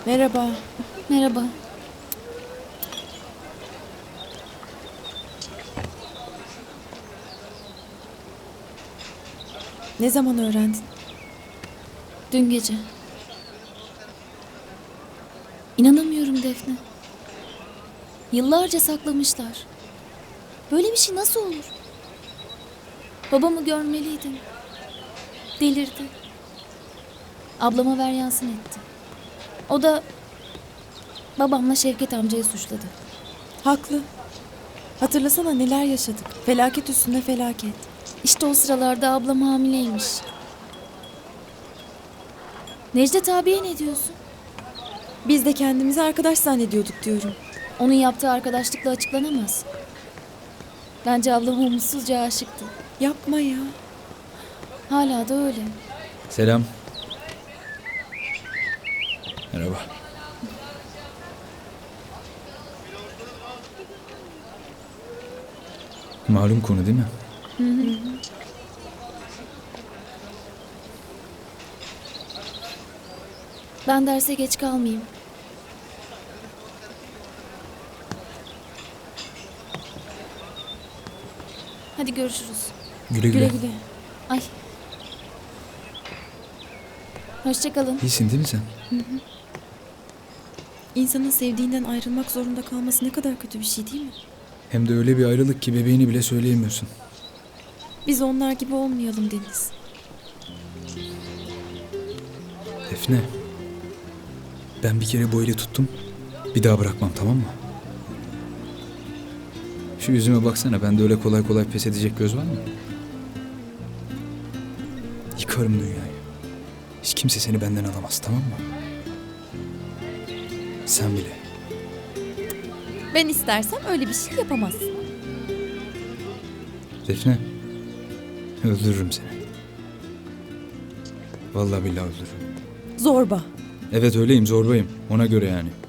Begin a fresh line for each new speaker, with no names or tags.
Merhaba.
Merhaba.
Ne zaman öğrendin?
Dün gece. İnanamıyorum Defne. Yıllarca saklamışlar. Böyle bir şey nasıl olur? Babamı görmeliydin. Delirdi. Ablama ver yansın etti. O da babamla Şevket amcayı suçladı.
Haklı. Hatırlasana neler yaşadık. Felaket üstüne felaket.
İşte o sıralarda ablam hamileymiş. Necdet abiye ne diyorsun?
Biz de kendimizi arkadaş zannediyorduk diyorum.
Onun yaptığı arkadaşlıkla açıklanamaz. Bence ablam umutsuzca aşıktı.
Yapma ya.
Hala da öyle.
Selam. Merhaba. Malum konu değil mi?
Ben derse geç kalmayayım. Hadi görüşürüz.
Güle güle.
Güle güle.
Ay. Hoşça kalın.
İyisin değil mi sen?
İnsanın sevdiğinden ayrılmak zorunda kalması ne kadar kötü bir şey değil mi?
Hem de öyle bir ayrılık ki bebeğini bile söyleyemiyorsun.
Biz onlar gibi olmayalım Deniz.
Defne. Ben bir kere bu eli tuttum. Bir daha bırakmam, tamam mı? Şu yüzüme baksana, bende öyle kolay kolay pes edecek göz var mı? Yıkarım dünyayı. Hiç kimse seni benden alamaz, tamam mı? Sen bile.
Ben istersem öyle bir şey yapamazsın.
Defne. Öldürürüm seni. Vallahi billahi öldürürüm.
Zorba.
Evet öyleyim, zorbayım. Ona göre yani.